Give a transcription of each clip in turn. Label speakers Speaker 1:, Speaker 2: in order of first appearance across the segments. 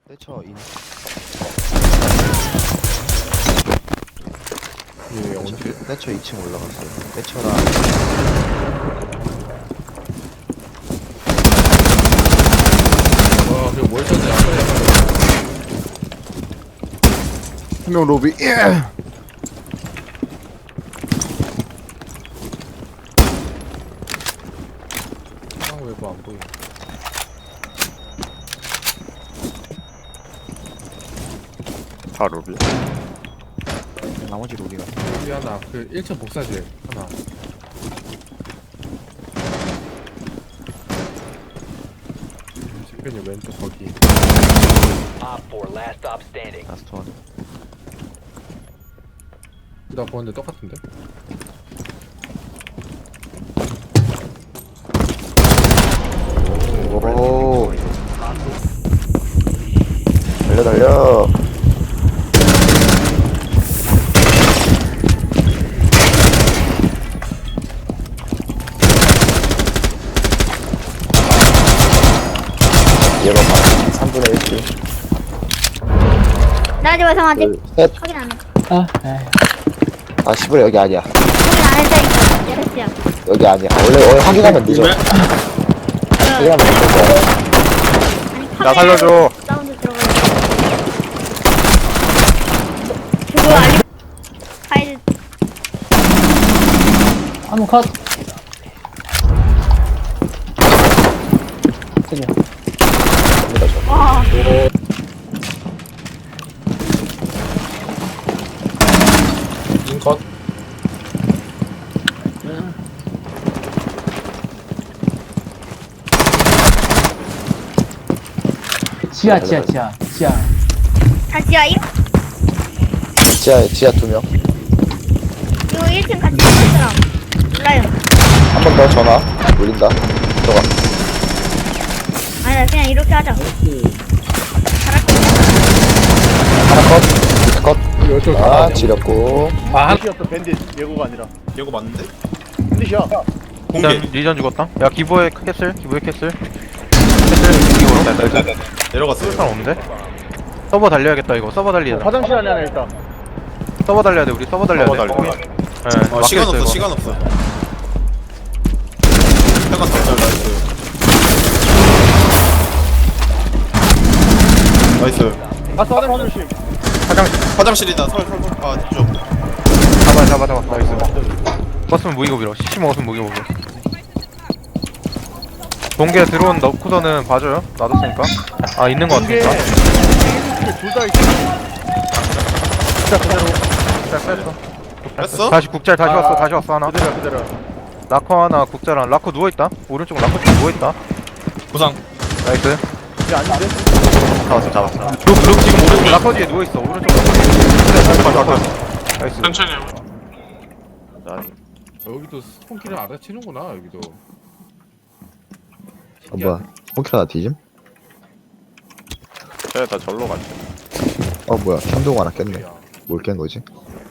Speaker 1: 때쳐 인.
Speaker 2: 예, 언제?
Speaker 1: 때쳐 2층 올라갔어요. 때쳐랑
Speaker 2: 와, 그거 뭘 쳤냐?
Speaker 1: 한 명 로비.
Speaker 2: 외부 안 보여.
Speaker 3: 다 로비.
Speaker 1: 나머지 로비가.
Speaker 2: 여기 하나, 그 1층 복사실 하나. 집변이 왼쪽 거기.
Speaker 4: Op 4, last stop standing.
Speaker 1: 라스트 원.
Speaker 2: 나 보는데 똑같은데?
Speaker 1: 오. 달려 달려. 얘가 3분의 1씩.
Speaker 5: 나지 마, 성아지.
Speaker 1: 둘, 셋.
Speaker 5: 확인 안 해.
Speaker 1: 아, 10분의 여기 아니야.
Speaker 5: 확인 안 했다니까. 예스야.
Speaker 1: 여기 아니야. 원래 확인하면 늦어. 확인하면 늦어.
Speaker 3: 나 살려줘.
Speaker 5: 사운드 들어가요. 그거 알리. 파일.
Speaker 6: 한번 컷.
Speaker 5: 와.
Speaker 2: 인컷.
Speaker 6: 지하.
Speaker 5: 다 지하임?
Speaker 1: 지하 2명.
Speaker 5: 이거 1층 같이 있는 사람. 몰라요.
Speaker 1: 한 번 더 전화. 울린다. 들어가.
Speaker 5: 아니야, 그냥 이렇게 하자. 잘할 거야.
Speaker 1: 하나 컷. 밑에 컷.
Speaker 2: 이쪽
Speaker 1: 아, 지렸고.
Speaker 2: 아,
Speaker 7: 밴디였어 밴디 예고가 아니라
Speaker 3: 예고 맞는데?
Speaker 7: 밴디야
Speaker 3: 공개. 리전 죽었다. 야 기부의 캐슬. 캐슬 이거 내려갔어. 사람 없는데? 서버 달려야겠다 이거. 서버 달리자.
Speaker 7: 화장실 안에 하나 일단
Speaker 3: 서버 달려야 돼. 우리 서버 달려야 돼. 서버 달려.
Speaker 8: 아, 시간 없어,
Speaker 3: 이거.
Speaker 8: 시간 없어. 잠깐 잘 나이스.
Speaker 7: 가서 화장실
Speaker 8: 화장실이다. 설. 아, 쪽.
Speaker 3: 잡아. 나이스. 버스면 무기고 밀어. CC 먹었으면 무기고 밀어. 동계 드론 넣고서는 봐줘요. 놔뒀으니까. 아 있는 거 같으니까.
Speaker 7: 둘다 있어
Speaker 3: 국잘 뺐어.
Speaker 8: 뺐어?
Speaker 3: 다시 국잘 다시 왔어 하나.
Speaker 7: 그대로
Speaker 3: 라커 하나 국자랑 라커 누워있다. 오른쪽 라커 쪽 누워있다.
Speaker 8: 부상.
Speaker 3: 나이스.
Speaker 7: 이게 아닌데?
Speaker 3: 잡았어. 룩 지금 오른쪽 라커 뒤에 누워있어. 오른쪽 라커 뒤에. 나이스.
Speaker 8: 천천히.
Speaker 2: 여기도 스폰키를 알아채는구나, 여기도.
Speaker 1: 뭐야. 홍키라 뒤짐?
Speaker 3: 쟤다 절로 갔지.
Speaker 1: 뭐야. 한동 하나 깼네. 뭘 깬 거지?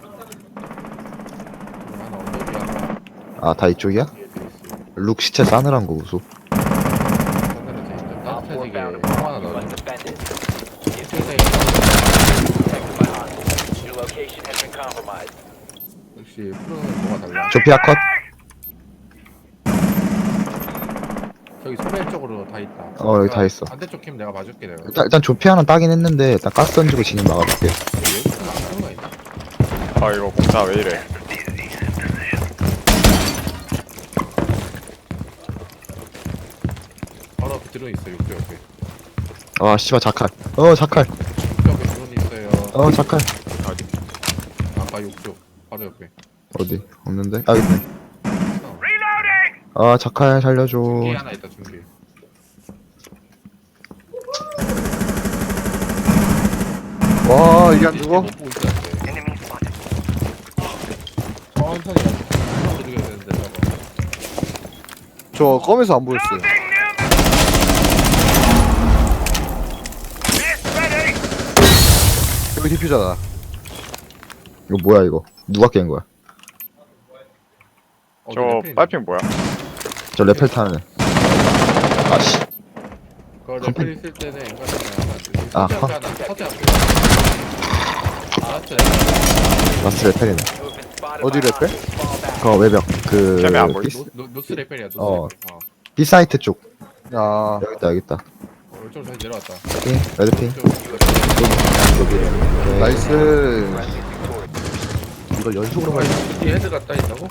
Speaker 2: 하나 언덕이야.
Speaker 1: 아, 다 이쪽이야? 룩 시체 싸늘한 거 우수.
Speaker 2: 하늘은 돼 있는
Speaker 4: Op 4
Speaker 2: 따뜻해지게
Speaker 4: found a
Speaker 2: 형
Speaker 4: bomb.
Speaker 2: 하나
Speaker 4: You
Speaker 2: 넣어줘.
Speaker 4: must defend it.
Speaker 2: 일층에
Speaker 4: Protected by hostiles. Your location has been compromised.
Speaker 2: 역시 프로는 뭐가 달라.
Speaker 1: 조피아 컷.
Speaker 2: 저기 소매 쪽으로 다 있다.
Speaker 1: 여기 다 있어.
Speaker 2: 반대쪽 캠 내가 봐줄게, 내가.
Speaker 1: 일단 조피아는 따긴 했는데 일단 가스 던지고 진입 막아볼게.
Speaker 2: 여기서는 안 하는 거 있나?
Speaker 3: 아 이거 공사 왜 이래?
Speaker 2: 바로 앞에 드론 있어, 육조 옆에.
Speaker 1: 아, 씨발 자칼. 자칼.
Speaker 2: 육조 옆에 드론 있어요.
Speaker 1: 자칼.
Speaker 2: 아까 육조. 바로 옆에.
Speaker 1: 어디? 없는데? 아, 있네. 아, 자칼 살려줘.
Speaker 2: 중계 하나 있다, 중계.
Speaker 1: 와, 이게 안 죽어?
Speaker 2: 못 보고 있었는데. 천천히 가자. 천천히 죽여야 되는데, 저거.
Speaker 1: 저 껌에서 안 보였어요. 여기 디퓨저다. 이거 뭐야 이거? 누가 깬 거야?
Speaker 2: 저
Speaker 3: 빨핑 뭐야?
Speaker 1: 저 레펠 타는 애. 아씨.
Speaker 2: 그거 레펠 있을 때는 인간이 하면 안 돼.
Speaker 1: 아,
Speaker 2: 서재 앞에 하나. 서재 앞에. 라스트.
Speaker 1: 라스트 레펠이네.
Speaker 4: You have been spotted
Speaker 7: 어디
Speaker 4: by
Speaker 7: 랩해?
Speaker 4: hostiles. Fall back.
Speaker 1: 그거 외벽 그
Speaker 3: 쟤네 안 보이?
Speaker 2: 노스 레펠이야. 노스
Speaker 1: 어.
Speaker 2: 레펠.
Speaker 1: B 사이트 쪽.
Speaker 7: 아
Speaker 1: 여기 있다.
Speaker 2: 이쪽으로 다시 내려왔다.
Speaker 1: 핑 레드 핑. 여기.
Speaker 7: 나이스.
Speaker 1: 이걸 연속으로 가야
Speaker 2: 뒤에 헤드가 따 있다고?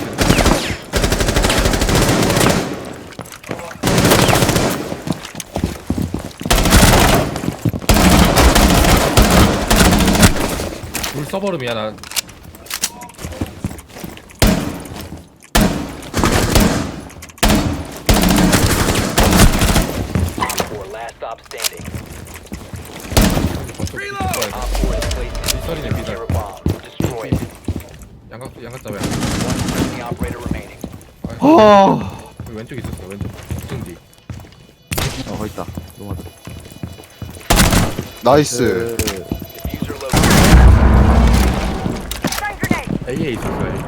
Speaker 2: 물 써버름이야 난.
Speaker 4: Four, last stop standing.
Speaker 2: Reload.
Speaker 4: Op 4 is placed in
Speaker 2: sorry,
Speaker 4: a
Speaker 2: Peter.
Speaker 4: secure bomb. Destroy it.
Speaker 2: 양각 잡아야.
Speaker 4: One friendly operator remaining.
Speaker 2: 왼쪽 있었어. 왼쪽. 등 뒤.
Speaker 1: 거기 있다. 넘어가자.
Speaker 8: 나이스.
Speaker 4: Diffuser located.
Speaker 2: A에 있었어. A.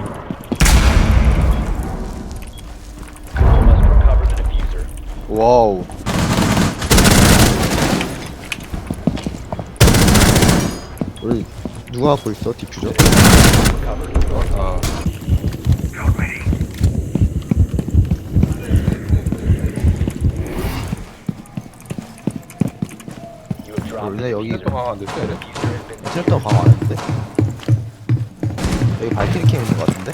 Speaker 4: Must recover the diffuser.
Speaker 8: 와우.
Speaker 1: 우리 누가 갖고 있어? 디퓨저?
Speaker 2: 아.
Speaker 4: You have dropped
Speaker 1: 원래 여기
Speaker 2: 또 강화 안 됐어. 이래.
Speaker 1: 실도 강화 안 했는데? 여기 발키리 캠 있는 거 같은데?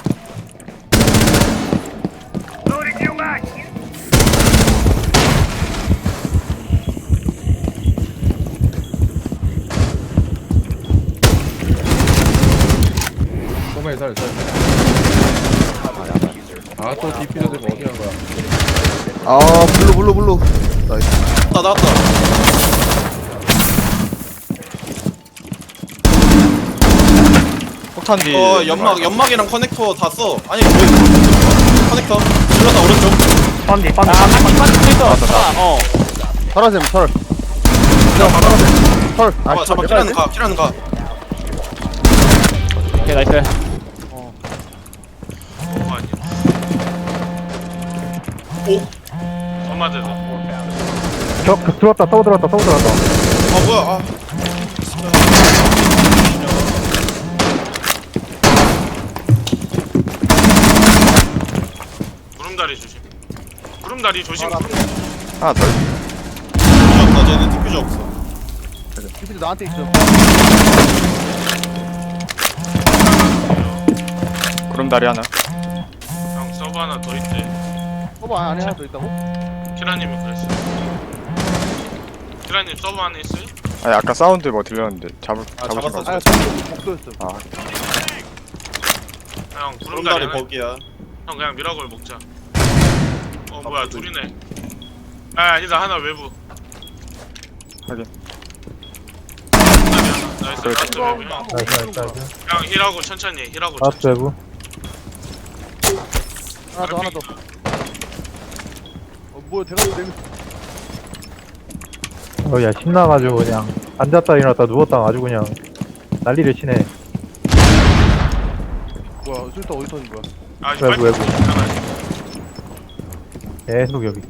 Speaker 2: 소매 살. 아또 디퓨저 되고 어디 간 거야?
Speaker 8: 아, 블루. 나이스. 나왔다.
Speaker 3: 폭탄 뒤.
Speaker 8: 연막이랑 커넥터 다 써. 아니, 왜 커넥터? 질렀다, 오른쪽.
Speaker 3: 펀디.
Speaker 7: 설하셈 설. 설.
Speaker 8: 잡아, 키라는 가.
Speaker 3: 오케이, 나이스.
Speaker 8: 오,
Speaker 7: 들어왔다. 또 들어왔다.
Speaker 8: 아, 뭐야, 아.
Speaker 9: 구름다리 조심.
Speaker 3: 하나 더.
Speaker 8: 디퓨저 없다, 쟤는 디퓨저 없어.
Speaker 7: 디퓨저 나한테 있어.
Speaker 3: 구름다리 하나.
Speaker 9: 형 서브 하나 더 있대.
Speaker 7: 안에 하나 더 있다고?
Speaker 9: 키라님이 그랬어. 키라님 서브 안에 있어요?
Speaker 3: 아니 아까 사운드 뭐 들렸는데 잡으신
Speaker 8: 잡았어,
Speaker 3: 거.
Speaker 7: 아 목도였어.
Speaker 3: 아
Speaker 9: 형 구름다리
Speaker 8: 구름다리
Speaker 9: 하나.
Speaker 8: 거기야.
Speaker 9: 형 그냥 미라골 먹자. 뭐야 둘이네. 아 아니다 하나 외부.
Speaker 3: 확인.
Speaker 9: 구름다리 하나. 나이스.
Speaker 3: 그래.
Speaker 9: 라스트 외부 형. 형 힐하고 천천히 해. 힐하고 천천히.
Speaker 6: 외부.
Speaker 7: 하나 더. 뭐야 대가리 내미.
Speaker 6: 야 신나가지고 그냥 앉았다 일어났다 누웠다 아주 그냥 난리를 치네.
Speaker 7: 뭐야 술도 어디 터진 거야?
Speaker 9: 아 이제
Speaker 6: 외부,
Speaker 9: 빨리
Speaker 6: 외부.
Speaker 9: 나가야지.
Speaker 6: 계속 여기.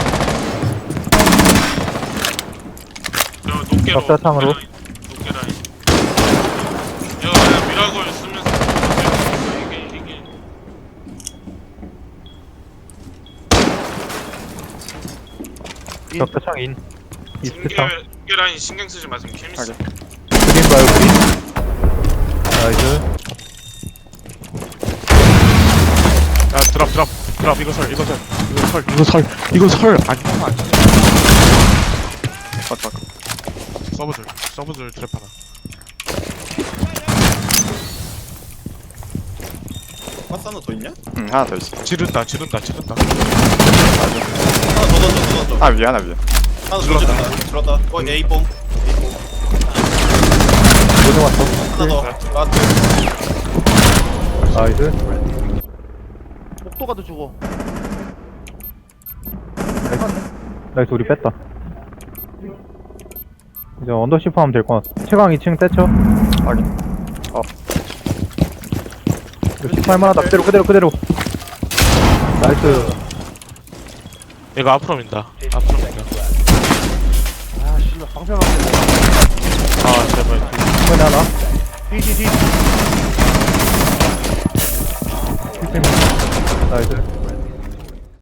Speaker 9: 저 높게로.
Speaker 6: 격자창으로.
Speaker 9: 높게 라인. 이거 그냥 미라골 쓰면서 이게.
Speaker 6: 격자창 인. 이스트창.
Speaker 9: 중계 라인 신경 쓰지 마세요. 재밌어.
Speaker 3: 하긴.
Speaker 6: 그린 봐요 그린. 나이스.
Speaker 9: 야 드랍 이거 설 아니
Speaker 3: 컷.
Speaker 9: 서브들 드랍 하나.
Speaker 8: 가스 하나 더 있냐?
Speaker 3: 응 하나 더 있어.
Speaker 9: 지른다.
Speaker 8: 하나 더 던져.
Speaker 3: 아 위에 하나 위에.
Speaker 8: 하나 더 질렀다. A뽕.
Speaker 1: 모두 왔어.
Speaker 8: 하나 더. 라스트.
Speaker 6: 나이스.
Speaker 7: 목도가 더 죽어.
Speaker 6: 나이스 우리 뺐다. 이제 언더시프 하면 될 것 같아. 최강 2층 떼쳐.
Speaker 3: 확인.
Speaker 6: 이거 18만하다. 그대로. 나이스.
Speaker 9: 얘가 앞으로 민다. 앞으로 민다.
Speaker 7: 아 씨발. 방패만
Speaker 3: 아 제발
Speaker 6: 이번에 하나.
Speaker 7: 뒤
Speaker 6: 나이스.